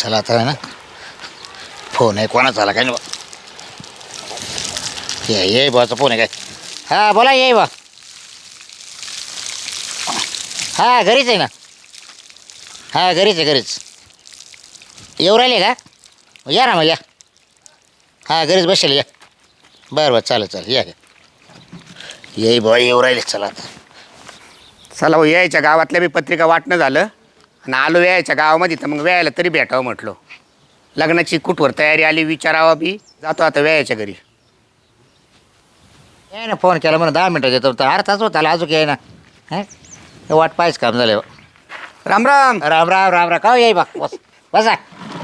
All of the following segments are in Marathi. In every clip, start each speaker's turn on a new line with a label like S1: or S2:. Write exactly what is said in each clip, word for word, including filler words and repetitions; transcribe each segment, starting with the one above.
S1: चला आता आहे ना फोन आहे कोणाचा आला काय नाही ये ये बाचा फोन आहे काय हां बोला ये बा हां घरीच आहे ना हां घरीच आहे घरीच येऊ राहिले का या ना मग या हां घरीच बसेल या बरं बरं चालेल चालेल या ये बा येऊ राहिले चला आता
S2: चला हो यायच्या गावातल्या बी पत्रिका वाटणं झालं आणि आलो यायच्या गावामध्ये तर मग वेळायला तरी भेटावं म्हटलं लग्नाची कुठवर तयारी आली विचारावा बी जातो आता वेळाच्या घरी
S1: ये ना फोन केला म्हणून दहा मिनटं देतो तर अर्धाच होता आला अजून ये ना हां वाट पाहिजे काम झालं
S2: राम राम
S1: राम राम राम राम का येई बा बस बसा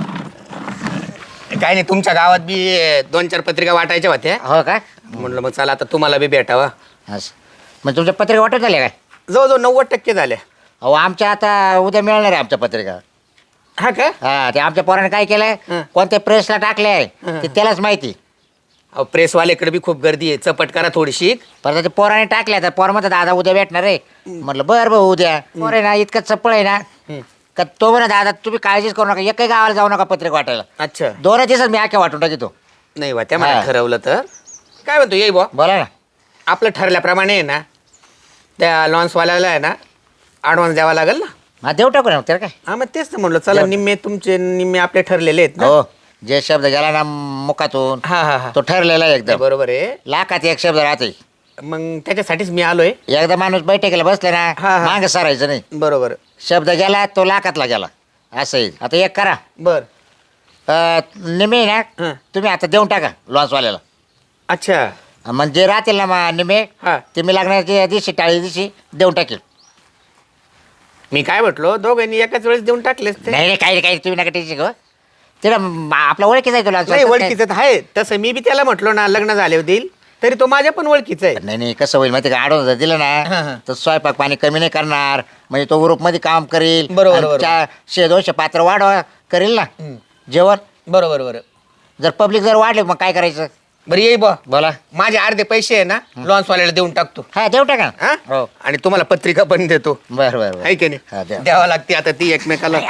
S2: काय नाही तुमच्या गावात बी दोन चार पत्रिका वाटायच्या होत्या
S1: हो का
S2: म्हटलं मग चला आता तुम्हाला बी भेटावा
S1: असं मग तुमच्या पत्रिका वाटत झाल्या काय
S2: जवळजवळ नव्वद टक्के झाल्या
S1: अहो आमच्या आता उद्या मिळणार आहे आमच्या पत्रिका
S2: हा का
S1: हा ते आमच्या पोराने काय केलंय
S2: हं.
S1: कोणत्या प्रेसला टाकले आहे
S2: हं.
S1: ते त्यालाच माहिती
S2: अहो प्रेसवाल्याकडे बी खूप गर्दी आहे चपट करा थोडीशी
S1: परत ते पोराने टाकले तर पोर म्हणतात दादा उद्या भेटणार आहे म्हटलं बरं भाऊ उद्या पोर आहे ना इतकं चप्पळ आहे ना
S2: हं.
S1: का तो म्हणा दादा तुम्ही काळजीच करू नका एकही गावाला जाऊ नका पत्रिका वाटायला
S2: अच्छा
S1: दोन दिवसात मी आख्या वाटून टाकीतो
S2: नाही बा त्या मला
S1: हा.
S2: ठरवलं तर काय म्हणतो येई बा
S1: बोला ना
S2: आपलं ठरल्याप्रमाणे आहे ना त्या लॉन्सवाल्याला आहे ना ॲडव्हान्स द्यावा लागेल ना
S1: हा देऊ टाकू ना त्याला काय
S2: हा मग तेच तर म्हणलं चला
S1: देऊ.
S2: निम्मे तुमचे निम्मे आपले ठरलेले आहेत ना
S1: हो जे शब्द गेला ना मुखातून
S2: हा हा हा
S1: तो ठरलेला आहे एकदम
S2: बरोबर आहे
S1: लाखात एक शब्द राहते
S2: मग त्याच्यासाठीच मी आलोय
S1: एकदा माणूस बैठकीला बसले ना
S2: हा, हा.
S1: मागं सरायचं नाही
S2: बरोबर
S1: शब्द गेला तो लाखातला गेला असं आहे आता एक करा
S2: बर
S1: अं, निमे ना
S2: हं.
S1: तुम्ही आता देऊन टाका लॉन्सवाल्याला
S2: अच्छा
S1: म्हणजे राहतील ना मा निमे
S2: हा
S1: ते मी लागण्याच्या दिवशी टाळी दिवशी देऊन टाकेल
S2: मी काय म्हटलो दोघांनी एकाच वेळेस देऊन टाकलेच ते
S1: नाही नाही काही नाही काही तुम्ही नका टेन्शन घेऊ तिला म- आपला ओळखीचा आहे तो
S2: नाही
S1: लॉन्स
S2: ओळखीचं तर आहे तसं मी बी त्याला म्हटलो ना लग्न झाले देईल तरी तो माझ्या पण ओळखीचा आहे
S1: नाही नाही कसं होईल माहिती का आडवून जर दिलं
S2: हा, हा.
S1: ना तर स्वयंपाक पाणी कमी नाही करणार म्हणजे तो ग्रुपमध्ये काम करेल
S2: बरोबर,
S1: आणि
S2: बरोबर.
S1: चा- शे दोनशे पात्र वाढवा करेल ना
S2: हं.
S1: जेवण
S2: बरोबर बरोबर
S1: जर पब्लिक जर वाढले मग काय करायचं
S2: बरं येई बा
S1: बोला
S2: माझे अर्धे पैसे आहे ना लॉन्सवाल्याला देऊन टाकतो
S1: हा देऊ टाका
S2: हा
S1: हो
S2: आणि तुम्हाला पत्रिका पण देतो
S1: बरं बरं
S2: आहे की
S1: हा,
S2: नाही
S1: द्या.
S2: द्यावं लागते आता ती एकमेकाला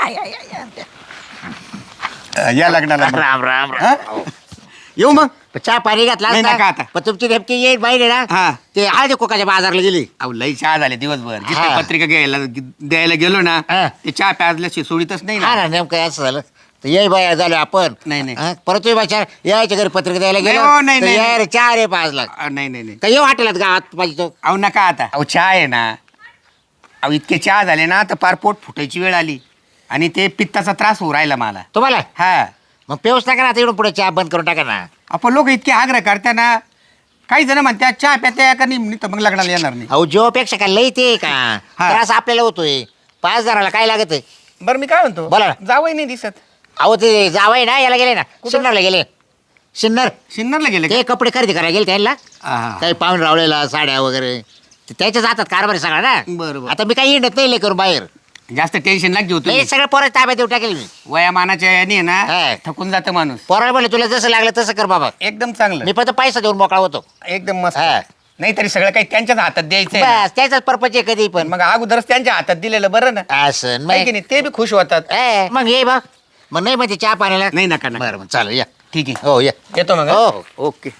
S2: या लग्नाला मग.
S1: राम राम
S2: हा?
S1: राम
S2: येऊ मग
S1: चहा पाणी घातला
S2: नाही,
S1: असता.
S2: नका आता.
S1: पण तुमची नेमकी येईल बाई
S2: हा.
S1: ना ते आधी कोकाच्या बाजारला गेली
S2: अहो लई चहा झाले दिवसभर जिथे
S1: हा.
S2: पत्रिका घ्यायला द्यायला गेलो ना
S1: हा.
S2: ते चहा प्याजल्याशी सोडीतच नाही
S1: हा
S2: ना
S1: ना नेमकं असं झालं तर ये बाई झालो आपण
S2: नाही, नाही.
S1: हा, परत तुम्ही बाई यायच्या घरी पत्रिका द्यायला
S2: नाही,
S1: गेलो
S2: हो, नाही,
S1: तर
S2: नाही,
S1: याय रे चार रे पाच लाख
S2: अहो, नाही नाही नाही
S1: का येऊ वाटेलात गावात पाहिजे तो
S2: अहो नका आता अहो चहा आहे ना अहो इतके चहा झाले ना तर पार पोट फुटायची वेळ आली आणि ते पित्ताचा त्रास होऊ राहिला मला
S1: तुम्हाला
S2: हा
S1: मग पेऊस टाका ना आता इकडून पुढे चहा बंद करून टाका ना
S2: आपण लोक इतके आग्रह करता ना काही जण म्हणतात चहा प्यात्या का नाही तर मग लग्नाला येणार नाही
S1: अहो जेव्हापेक्षा काय लई ते का
S2: हा.
S1: त्रास आपल्याला होतोय पाच जणाला काय लागत आहे
S2: बरं मी काय म्हणतो
S1: बोला ना.
S2: जावई नाही दिसत
S1: अहो ते जावाय ना याला गेले ना सिन्नरला गेले सिन्नर
S2: सिन्नरला गेले
S1: ते कपडे खरेदी करायला गेले त्यांना
S2: का
S1: काही पाहून रावलेला साड्या वगैरे ते त्याच्याच हातात कारभार आहे सगळा ना
S2: बरोबर.
S1: आता मी काही हिंडत नाही लय करून बाहेर
S2: जास्त टेन्शन लाग घेऊ
S1: नाही
S2: तुम्ही
S1: सगळं पोरं ताब्यात देऊ टाकेल मी
S2: वयामानाच्या याने आहे
S1: हा.
S2: ना थकून जातं माणूस
S1: पोराला बोलले तुला जसं लागलं तसं कर बाबा
S2: एकदम चांगलं
S1: मी फक्त पैसा देऊन मोकळा होतो
S2: एकदम मस्त
S1: हा.
S2: नाही तरी सगळं काही त्यांच्याच हातात द्यायचं आहे
S1: बस त्याचाच पर्पज आहे कधी पण
S2: ना. मग अगोदरच त्यांच्या हातात दिलेलं बरं ना
S1: असं
S2: आहे
S1: मग
S2: की नाही ते बी खुश होतात
S1: ए, मग ये बा मग नाही म्हणजे चहा पाण्याला
S2: नाही नका नका
S1: बरं मग चालेल या
S2: ठीक आहे
S1: हो या
S2: येतो मग
S1: हो,
S2: हा? ओके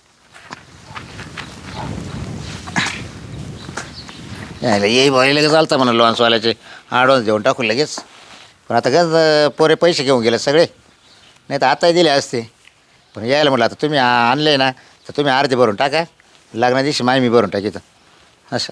S1: यायला येई भाई लगेच चालतं म्हणा लॉन्सवाल्याचे ॲडव्हान्स देऊन टाकू लगेच पण आता गज पोरे पैसे घेऊन गेले सगळे नाही तर आताही दिले असते पण यायला म्हटलं आता तुम्ही आ- आणले ना तर तुम्ही अर्धे भरून टाका लग्ना दिवशी माय मी भरून टाकीत असं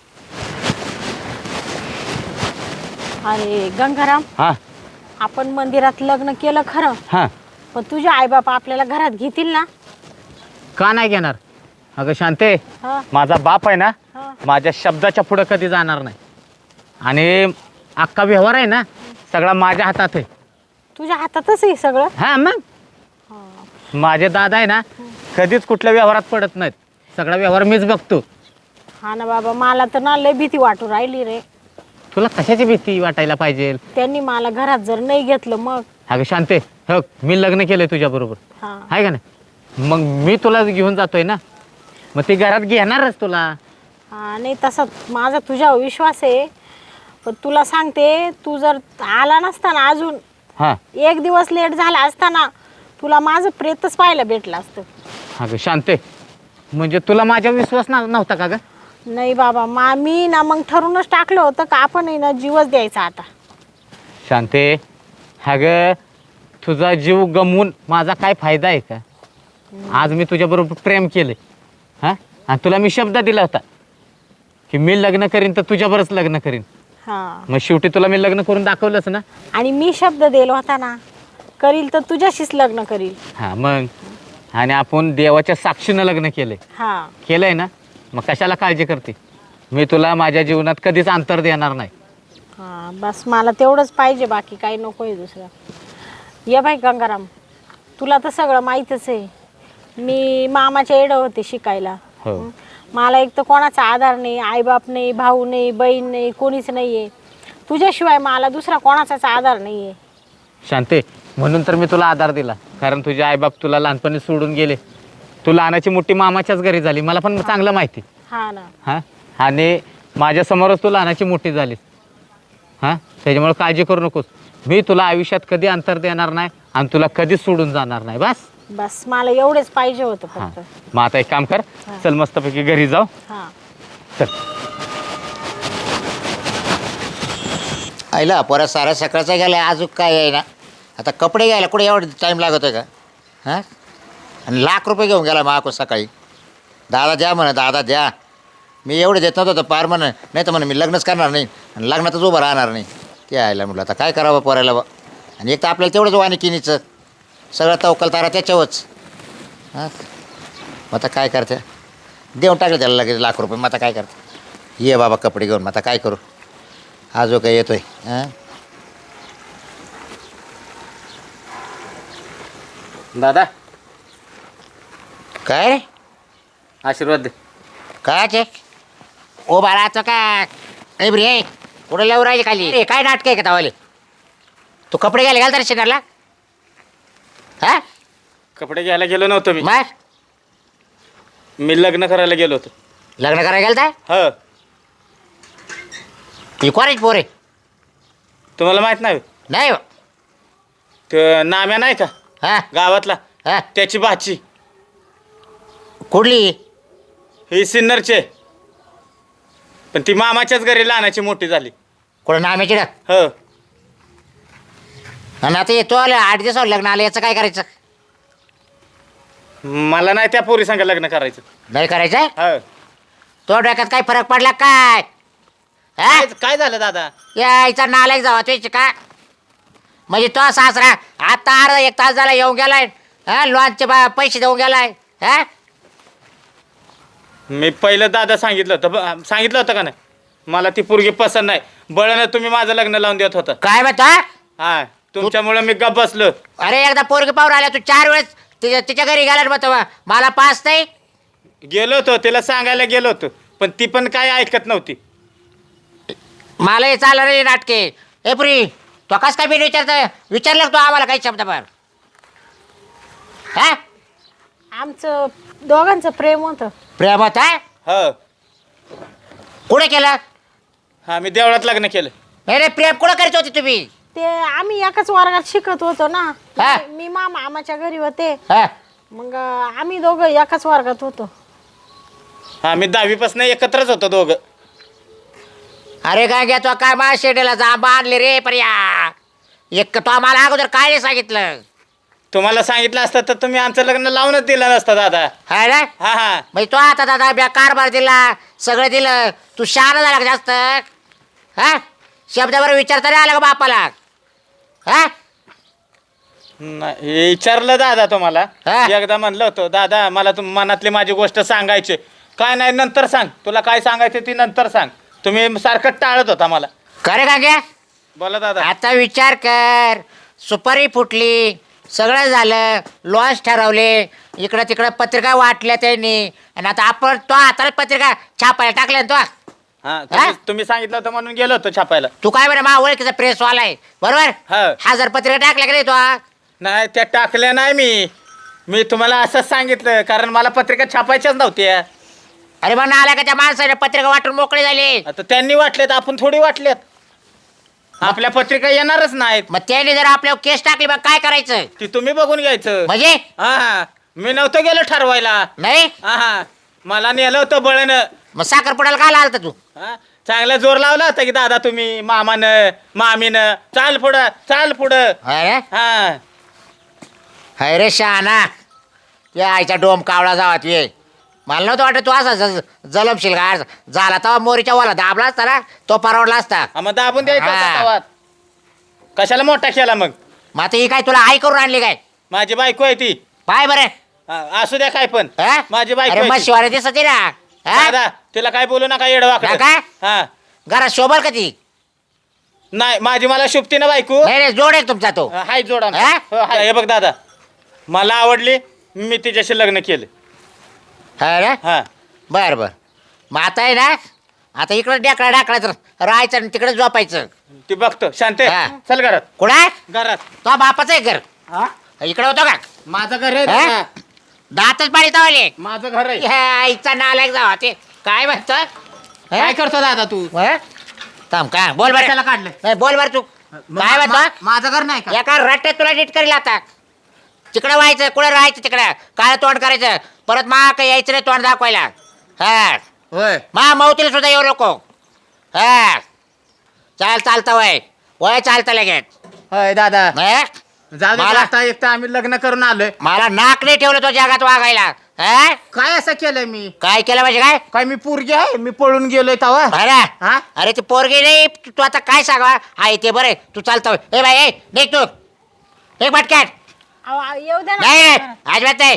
S3: अरे गंगाराम
S4: हा
S3: आपण मंदिरात लग्न केलं खरं
S4: हा
S3: पण तुझे आईबाप आपल्याला घरात घेतील ना?
S4: का नाही घेणार अगं शांते
S3: हा,
S4: माझा बाप आहे ना
S3: हा.
S4: माझ्या शब्दाच्या पुढं कधी जाणार नाही आणि अख्खा व्यवहार आहे ना सगळा माझ्या हातात आहे
S3: तुझ्या हातातच आहे सगळं.
S4: हा मग
S3: हा.
S4: माझे दादा आहे ना कधीच कुठल्या व्यवहारात पडत नाहीत सगळा व्यवहार मीच बघतो.
S3: हा ना बाबा मला तर ना लय भीती वाटू राहिली रे.
S4: तुला कशाची भीती वाटायला पाहिजे
S3: त्यांनी मला घरात जर नाही घेतलं मग.
S4: अगं शांते हो मी लग्न केलंय तुझ्या बरोबर
S3: हा
S4: आहे का नाही मग मी तुला घेऊन जातोय ना मग ती घरात घेणारच तुला.
S3: हा नाही तसा माझा तुझ्यावर विश्वास आहे पण तुला सांगते तू जर आला नसता ना अजून
S4: हां
S3: एक दिवस लेट झाला असताना तुला माझं प्रेतच पाहायला भेटलं असतं.
S4: अगं शांते, म्हणजे तुला माझ्या विश्वास ना नव्हता का ग?
S3: नाही बाबा, मा मी ना मग ठरूनच टाकलं होतं का आपण आहे ना जीवच द्यायचा आता.
S4: शांते, अगं तुझा जीव गमवून माझा काय फायदा आहे का? आज मी तुझ्याबरोबर प्रेम केले हां, आणि तुला मी शब्द दिला होता की मी लग्न करीन तर तुझ्याबरोबरच लग्न करीन.
S3: हां,
S4: मग शेवटी तुला मी लग्न करून दाखवलंच ना.
S3: आणि मी शब्द दिला होता ना, करील तर तुझ्याशीच लग्न करील.
S4: हां मग, आणि आपण देवाच्या साक्षीनं लग्न केलंय
S3: हां
S4: केलंय ना, मग कशाला काळजी करते? मी तुला माझ्या जीवनात कधीच अंतर देणार नाही.
S3: हां, बस मला तेवढंच पाहिजे, बाकी काही नको आहे दुसरं. ये बाई गंगाराम, तुला तर सगळं माहीतच आहे. मी मामाच्या एडं होते शिकायला.
S4: हो.
S3: हं. मला एक तर कोणाचा आधार नाही, आईबाप नाही, भाऊ नाही, बहीण नाही, कोणीच नाही आहे. तुझ्याशिवाय मला दुसरा कोणाचाच आधार नाही आहे.
S4: शांते, म्हणून तर मी तुला आधार दिला, कारण तुझे आईबाप तुला लहानपणी सोडून गेले. तू लहानाची मोठी मामाच्याच घरी झाली, मला पण चांगलं माहिती.
S3: हा ना.
S4: हां, आणि माझ्यासमोरच तू लहानाची मोठी झालीस. हां, त्याच्यामुळे काळजी करू नकोस. मी तुला आयुष्यात कधी अंतर देणार नाही आणि तुला कधीच सोडून जाणार नाही. बस.
S3: बस मला एवढेच पाहिजे होतं
S4: हां,
S3: फक्त.
S4: मग आता एक काम कर,
S3: हां.
S4: चल मस्तपैकी घरी जाऊ.
S3: हां.
S4: चल.
S1: आईला पोरा सारा सकाळचा गेला, अजून काय आहे ना. आता कपडे घ्यायला कुठे एवढं टाईम लागत आहे का? हां, आणि लाख रुपये घेऊन गेला माको सकाळी. दादा द्या म्हणा, दादा द्या. मी एवढे देत नव्हतं तर पार म्हणा, नाही तर म्हणा मी लग्नच करणार नाही आणि लग्नातच उभं राहणार नाही. ते आयला म्हटलं आता काय करावं पोरायला बा. आणि एक तर आपल्याला तेवढंच वानिकिनीचं सगळं तवकल तारा त्याच्यावरच. हां, मग आता काय करते, देऊन टाकलं त्याला लगेच लाख रुपये. मग आता काय करते, ये बाबा कपडे घेऊन. मग आता काय करू, हा जो काय येतोय. हां,
S4: दादा,
S1: काय रे,
S4: आशीर्वाद दे.
S1: काय ते ओ बाळाचं काय ए ब्रे, कुठं लावून राहिली खाली रे? काय नाटक आहे का तवाले? तू कपडे घ्यायला घालता रे शेणाला? हा,
S4: कपडे घ्यायला गेलो नव्हतो मी,
S1: मग
S4: मी लग्न करायला गेलो होतो.
S1: लग्न करायला गेलता?
S4: हो.
S1: ही कोणाची पोर आहे?
S4: तुम्हाला माहित नाही?
S1: नाही हो.
S4: ते नाम्या नाही का
S1: हा
S4: गावातला,
S1: हा,
S4: त्याची भाची.
S1: कुठली?
S4: ही सिन्नरचे, पण ती मामाच्याच घरी लहानाची मोठी झाली.
S1: कुठं नाम्याची ना?
S4: हो.
S1: आणि आता येतो आलं आठ दिवसावर लग्न आलं, याचं काय करायचं?
S4: मला नाही त्या पोरी संग लग्न करायचं.
S1: नाही करायचं?
S4: हो.
S1: तो डोक्यात काय फरक पडला काय? हा,
S4: काय काय झालं दादा?
S1: यायचा नालायक जावा तुझी का? म्हणजे तो सासरा आता अर्धा एक तास झाला येऊन गेलाय. हा, लॉनचे बा पैसे देऊन गेलाय. हा,
S4: मी पहिलं दादा सांगितलं होतं, ब- सांगितलं होतं का नाही, मला ती पोरगी पसंत नाही. बळानं तुम्ही माझं लग्न लावून देत होता.
S1: काय म्हणतो?
S4: हा, तुमच्यामुळे मी गप बसलो.
S1: अरे एकदा पोरगी पाहून आल्या तू चार वेळेस तिच्या तिच्या घरी गेला मग तेव्हा मला पास नाही.
S4: गेलो होतो तिला सांगायला गेलो होतो, पण ती पण काय ऐकत नव्हती.
S1: मला हे चाललं रे नाटके. ए पुरी, तो कस काय बिन विचारतं विचारलं का तू आम्हाला काही शब्द भर? हा,
S3: आमचं दोघांचं प्रेम होतं.
S1: प्रेमात आहे?
S4: हो.
S1: कुठे केलं?
S4: हा, मी देवळात लग्न केलं.
S1: नाही रे, प्रेम कुठं करत होते तुम्ही?
S3: ते आम्ही एकाच वर्गात शिकत होतो ना.
S1: हा.
S3: मी- मी मा मामाच्या घरी होते,
S1: हा,
S3: मग अं, आम्ही दोघं एकाच वर्गात होतो.
S4: हा, मी दहावीपासून एकत्रच होतो दोघं.
S1: अरे काय घ्या तो काय मा शेडेला जा बांधले रे पर्या. एक तो आम्हाला अगोदर काय नाही सांगितलं.
S4: तुम्हाला सांगितलं असतं तर तुम्ही आमचं लग्न लावूनच दिलं नसतं दादा.
S1: हा ना,
S4: हा हा.
S1: म्हणजे तो आता दादा ब्या कारभार दिला, सगळं दिलं. तू शहाणा झाला का जास्त? हा, शब्दावर विचारता नाही आला का बापाला? हा,
S4: नाही, हे विचारलं दादा तुम्हाला.
S1: हा.
S4: एकदा म्हणलं होतं दादा मला तुम मनातली माझी गोष्ट सांगायची. काय नाही, नंतर सांग, तुला काय सांगायचं ती नंतर सांग. तुम्ही सारखं टाळत होता मला.
S1: खरे का घ्या?
S4: बोला दादा.
S1: आता विचार कर, सुपारी फुटली, सगळं झालं, लॉन्च ठरवले, इकडं तिकडं पत्रिका वाटल्या त्यांनी, आणि आता आपण तो हाताला पत्रिका छापायला टाकल्या ना तो.
S4: हा, तुम्ही- तुम्ही सांगितलं होतं म्हणून गेलो होतो छापायला.
S1: तू काय बरं मा ओळखीचा प्रेसवाला आहे बरोबर?
S4: हा.
S1: हजार पत्रिका टाकल्या का नाही तो?
S4: नाही, त्या टाकल्या नाही मी मी तुम्हाला असंच सांगितलं, कारण मला पत्रिका छापायच्याच नव्हत्या.
S1: अरे मग आल्या का त्या माणसाने पत्रिका वाटून मोकळे झाले.
S4: आता त्यांनी वाटलेत, आपण थोडी वाटल्यात. आपल्या पत्रिका येणारच नाहीत.
S1: मग त्याने जर आपल्यावर केस टाकली मग काय करायचं?
S4: ती तुम्ही बघून घ्यायचं.
S1: म्हणजे
S4: हा मी नव्हतो गेलो ठरवायला.
S1: नाही
S4: हा मला नेलं होतं बळनं.
S1: मग साखरपुड्याला काय आलता तू?
S4: हा, चांगला जोर लावला होता की दादा तुम्ही मामानं मामीनं. चाल पुढं चाल पुढं.
S1: अरे
S4: हा
S1: हाय रे शहाणा, या आईचा डोम कावळा जावात ये. मला नव्हतं वाटत तू असा ज- जलमशील का झाला तेव्हा मोरीच्या वाला दाबला असता ना तो परवडला असता.
S4: हा, मग दाबून द्यायचं
S1: हा.
S4: होता तवात. कशाला मोठा केला मग?
S1: मग आता ही काय तुला आई करून आणली काय?
S4: माझी बायको आहे ती.
S1: पाय बरं
S4: हा, असू द्या काय पण.
S1: हा?
S4: माझी बायको
S1: अरे
S4: आहे
S1: मग
S4: ती.
S1: शिवाय दिसत आहे ना हा?
S4: दादा तिला काय बोलू नका येडवाकडं.
S1: काय?
S4: हा
S1: घरात शोभल का ती?
S4: नाही माझी मला शुभती ना बायको.
S1: नाही नाही जोड आहे तुमचा तो.
S4: हाय जोडा.
S1: हा?
S4: हो, हाय. हे बघ दादा मला आवडली मी तिच्याशी लग्न केलं.
S1: हा ना
S4: हा
S1: बर बर. मग आता आहे ना आता इकडं डेकडा डाकडायचं राहायचं आणि तिकडे झोपायचं.
S4: ती बघतो शांते.
S1: हा.
S4: चल घरात
S1: कुणा
S4: घरात.
S1: तो बापाचं आहे घर
S4: हा
S1: इकडे होतो का?
S4: माझं घर आहे
S1: हा?
S4: दादा.
S1: दातच पाडी तावले
S4: माझं घर आहे.
S1: आईचा नालायक जावा ते काय म्हणतो
S4: काय करतो दादा तू?
S1: थांब का बोल
S4: कशाला
S1: बरं.
S4: काढलं?
S1: नाही बोल बरं तू काय
S4: मा-
S1: म्हणतो?
S4: माझं घर नाही का?
S1: एका रट्ट्यात तुला नीट करेल आता. तिकडं व्हायचं कुठं राहायचं तिकडं काय तोंड करायचं परत मा काही यायचं नाही तोंड दाखवायला. हा
S4: होय
S1: मा मौतीला सुद्धा येऊ नको. हा चाल चालतं वय वय चालतं लगेच.
S4: होय दादा.
S1: हा?
S4: जाऊ दे
S1: मला-
S4: आता एक तर आम्ही लग्न करून आलोय.
S1: मला नाक नाही ठेवलं तो जगात वागायला. हा?
S4: काय असं केलंय मी?
S1: काय केलं म्हणजे काय
S4: काय मी पोरगी आहे मी पळून गेलोय तवा.
S1: अरे
S4: हा?
S1: अरे ते पोरगे नाही तू तू आता काय सांगा आहे ते बरं तू चालतो ए बाई ए देख तू एक भटक्यात
S3: अहो, अहो, येऊ द्या
S1: नाही नाही,
S3: ना.
S1: अजिबात नाही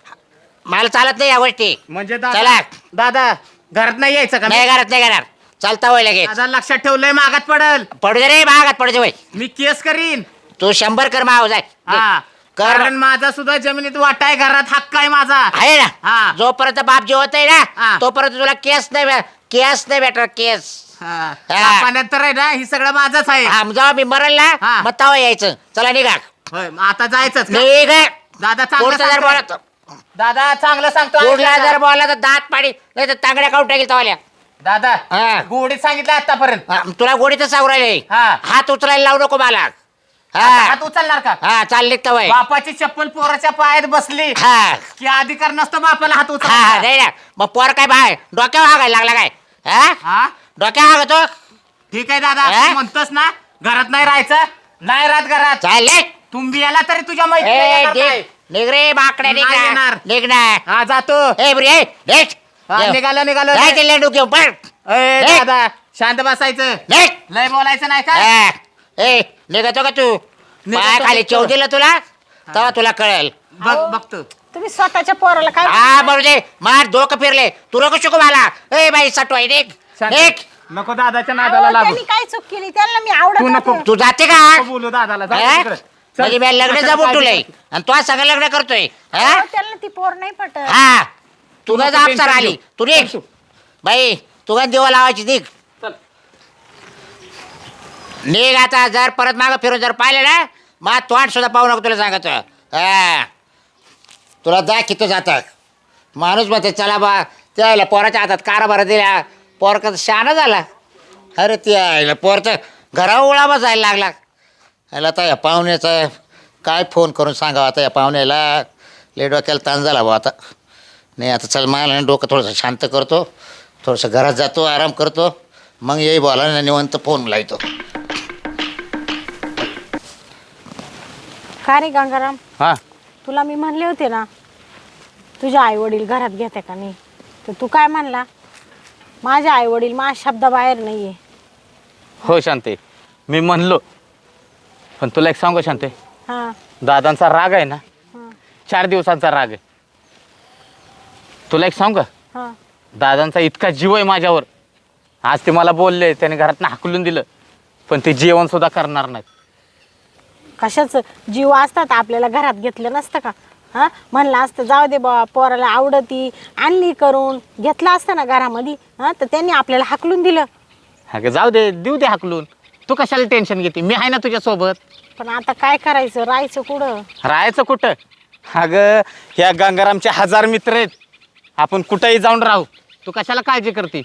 S1: मला चालत नाही या गोष्टी.
S4: म्हणजे
S1: चला.
S4: दादा दादा घरात नाही यायचं का?
S1: नाही घरात नाही घरात चालता वय लगेच.
S4: दादा लक्षात ठेवलंय मागात पडल.
S1: पडू दे रे महागात पडू दे वय.
S4: मी केस करीन.
S1: तू शंभर कर माव जाय
S4: हा
S1: कर
S4: कारण माझा सुद्धा जमिनीत वाटा आहे घरात हक्क आहे माझा.
S1: आहे ना
S4: हा.
S1: जोपर्यंत बाप जेवत आहे
S4: हा.
S1: ना तोपर्यंत तुला केस नाही भे- केस नाही भेटणार केस.
S4: हा.
S1: हा.
S4: पाण्यात तर आहे ना ही सगळं माझंच आहे.
S1: हा जेव्हा मी मरल ना
S4: हा.
S1: मग तवा यायचं. चला निघा
S4: होय मग आता जायचंच का?
S1: निघ
S4: दादा चांगलं
S1: पुढचं जर
S4: सांगतोय.
S1: बोलत
S4: दादा चांगलं सांगतो
S1: पुढला
S4: ऐका.
S1: जर बोलला तर दात पाडी नाही तर तांगड्या काढून टाकेल तवाल्या.
S4: दादा
S1: हा.
S4: गोडीत सांगितलं आतापर्यंत.
S1: हा, तुला गोडीच सांगू राहिले
S4: हा.
S1: हात उचलायला लावू नको मला.
S4: आता
S1: हा
S4: हात उचलणार का?
S1: हा चालले तवय.
S4: बापाची चप्पल पोराच्या पायात बसली
S1: हा
S4: की अधिकार नसतो बापाला हात
S1: हा
S4: उचलणार.
S1: नाही ना मग पोर काय बाय डोक्यावर हागायला लागला काय हा
S4: हा
S1: डोक्यावर हागतो
S4: ठीक आहे दादा
S1: हा?
S4: तू म्हणतोस ना घरात नाही राहायचं नाही राहत घरात.
S1: चालले
S4: तुम्ही याला तरी तुझ्या
S1: ए
S4: मैत्रिणी
S1: निघ निघ रे माकडे निघ
S4: नाही
S1: ना.
S4: येणार.
S1: निघ ना
S4: हा जातो.
S1: ए बरी ए निघ.
S4: हा,
S1: जेव.
S4: निघालो निघालो
S1: जायचं लेंडू घेऊन पण
S4: ए,
S1: निघ.
S4: दादा शांत बसायचं
S1: निघ
S4: लय बोलायचं नाही का?
S1: हा. ए निघतो का तू
S4: निघतो,
S1: पाया खाली
S4: निघतो.
S1: चव दिलं तुला तेव्हा तुला कळेल.
S4: बघ
S3: अहो.
S4: बघतो.
S3: तुम्ही स्वतःच्या पोराला काय
S1: हा बरोबर दे मार डोकं फिरले तू नको शिकू मला. ए बाई सटवाई निघ
S4: शांत.
S1: निघ.
S4: नको दादाच्या
S3: अहो,
S4: नादाला लागू.
S3: त्यांनी काय चूक केली त्यांना मी आवडत
S4: तू नको.
S3: होते.
S1: तू जाते का
S4: नको बोलू दादाला जा
S1: हा?
S4: तिकडे. चल.
S1: म्हणजे मी लग्न
S4: कशाला
S1: जमून
S4: काळजी
S1: तुलय
S4: करते?
S1: आणि तो सगळं लग्न करतोय हा
S3: अहो, त्यांना ती पोर नाही पटत.
S1: हा तुला
S4: नको
S1: जापसार
S4: टेन्शन
S1: आली
S4: घेऊ.
S1: तू निघ
S4: चल तू.
S1: बाई तुला देवा लावायची निघ
S4: चल.
S1: निघ आता जर परत मागं फिरून जर पाहिलं ना मग तोंड सुद्धा पाहू नको तुला सांगतो. हा तुला दाखितो जातात माणूस म्हणते चला बा त्याला पोराच्या हातात कारभार दिला पोर कसं शहाणा झाला. अरे ते आईला पोर तर घरावर उळावा जायला लागला. याला आता या पाहुण्याचा काय फोन करून सांगावं आता या पाहुण्याला लय डोक्याला ताण झाला बा आता. नाही आता चल मला डोकं थोडंसं शांत करतो थोडंसं घरात जातो आराम करतो मग येई बोला ना निवंत फोन लावतो.
S3: का रे गंगाराम
S4: हा
S3: तुला मी म्हणले होते ना तुझे आई वडील घरात घेते का नाही तर तू काय म्हणला माझे आई वडील माझ्या शब्दाबाहेर नाहीये.
S4: हो शांते मी म्हणलो पण तुला एक सांगू शांते
S3: हा
S4: दादांचा राग आहे ना
S3: हा
S4: चार दिवसांचा राग आहे. तुला एक सांगू का
S3: हा
S4: दादांचा इतका जीव आहे माझ्यावर आज ते मला बोलले त्याने घरातनं हाकलून दिलं पण ते जेवण सुद्धा करणार नाहीत.
S3: कशाच जीव असतात आपल्याला घरात घेतलं नसतं का. हा म्हणलं असतं जाऊ दे बा पोराला आवडती आणली करून घेतलं असतं ना घरामध्ये. हा तर त्यांनी आपल्याला हाकलून दिलं.
S4: अगं जाऊ दे देऊ दे हाकलून तू कशाला टेन्शन घेते मी आहे ना तुझ्यासोबत.
S3: पण आता काय करायचं राहायचं कुठं.
S4: राहायचं कुठं अगं ह्या गंगारामचे हजार मित्र आहेत आपण कुठंही जाऊन राहू तू कशाला काळजी करते.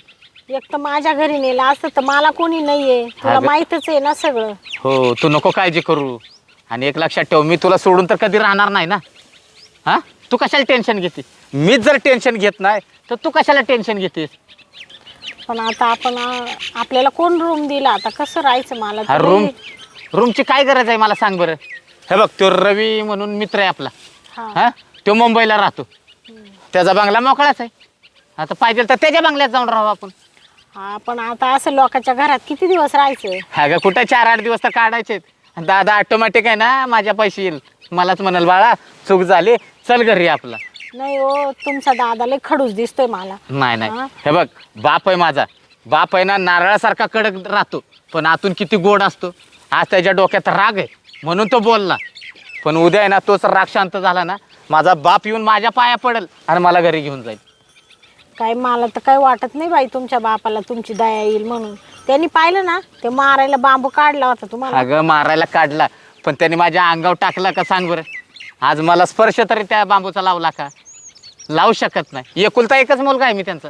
S3: एक तर माझ्या घरी नेलं असतं तर मला कोणी नाहीये, तुला
S4: अगं-
S3: माहीतच आहे ना सगळं.
S4: हो तू नको काळजी करू. आणि एक लक्षात ठेव, मी तुला सोडून तर कधी राहणार नाही ना. हा तू कशाला टेन्शन घेते? मीच जर टेन्शन घेत नाही तर तू कशाला टेन्शन घेतेस?
S3: पण आता आपण अं, आपल्याला कोण रूम दिला, आता कसं राहायचं मला
S4: हा
S3: तर
S4: रूम
S3: लई-
S4: रूमची काय गरज आहे मला सांग बरं. हे बघ तो रवी म्हणून मित्र आहे आपला.
S3: हा.
S4: हा तो मुंबईला राहतो, त्याचा बंगला मोकळाच आहे. आता पाहिजे तर त्याच्या बंगल्यात जाऊन राहू आपण.
S3: हा पण आता असं लोकांच्या घरात किती दिवस राहायचं?
S4: अगं कुठं चार आठ दिवस तर काढायचे. दादा ऑटोमॅटिक आहे ना, माझ्या पैसे येईल. मलाच म्हणाल बाळा चूक झाली, चल घरी आपला.
S3: नाही हो, तुमचा दादा लय खडूस दिसतोय मला.
S4: नाही नाही
S3: हा?
S4: हे बघ, बाप आहे माझा. बाप आहे ना नारळासारखा कडक राहतो, पण आतून किती गोड असतो. आज त्याच्या डोक्यात राग आहे म्हणून तो बोलला, पण उद्या आहे ना तोच राग शांत झाला ना, माझा बाप येऊन माझ्या पाया पडेल आणि मला घरी घेऊन जाईल.
S3: काय मला तर काही वाटत नाही बाई तुमच्या बापाला तुमची दया येईल म्हणून. त्यांनी पाहिलं ना ते मारायला बांबू काढला होता तुम्हाला.
S4: अगं मारायला काढला, पण त्याने माझ्या अंगावर टाकला का सांग बरं. आज मला स्पर्श तरी त्या बांबूचा लावला का? लावू शकत नाही. एकुलता एकच मुलगा आहे मी त्यांचा.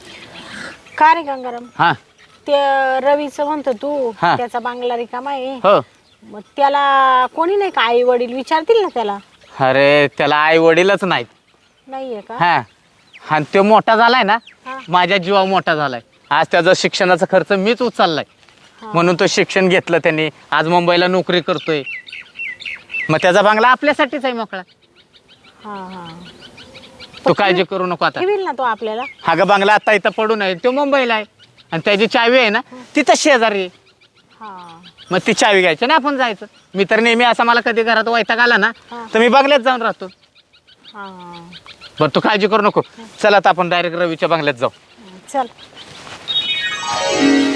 S3: का रे गंगाराम,
S4: हा
S3: ते रवीचं म्हणतो तू,
S4: हा.
S3: त्याचा बांगला रिकामा आहे,
S4: हो.
S3: मग त्याला कोणी नाही का आई वडील विचारतील ना त्याला?
S4: अरे त्याला आई वडीलच नाहीत.
S3: नाहीये का?
S4: हा आणि तो मोठा झालाय ना,
S3: हा.
S4: माझ्या जीवावर मोठा झालाय. आज त्याचा शिक्षणाचा खर्च मीच उचललाय,
S3: हा.
S4: म्हणून तो शिक्षण घेतलं त्यांनी. आज मुंबईला नोकरी करतोय. मग त्याचा बंगला आपल्यासाठीच आहे मोकळा.
S3: हा हा
S4: तू काळजी करू नको आता.
S3: ठेवील ना तो आपल्याला?
S4: हा ग बंगला आता इथं पडून आहे, तो मुंबईला आहे. आणि त्याची चावी आहे ना तिथं शेजारी आहे.
S3: हा
S4: मग ती चावी घ्यायची ना आपण जायचं. मी तर नेहमी असा मला कधी घरात वैताग आला ना
S3: हा.
S4: तर मी बंगल्यात जाऊन राहतो.
S3: हा
S4: बरं तू काळजी करू नको. चला आता आपण डायरेक्ट रवीच्या बंगल्यात जाऊ.
S3: चल.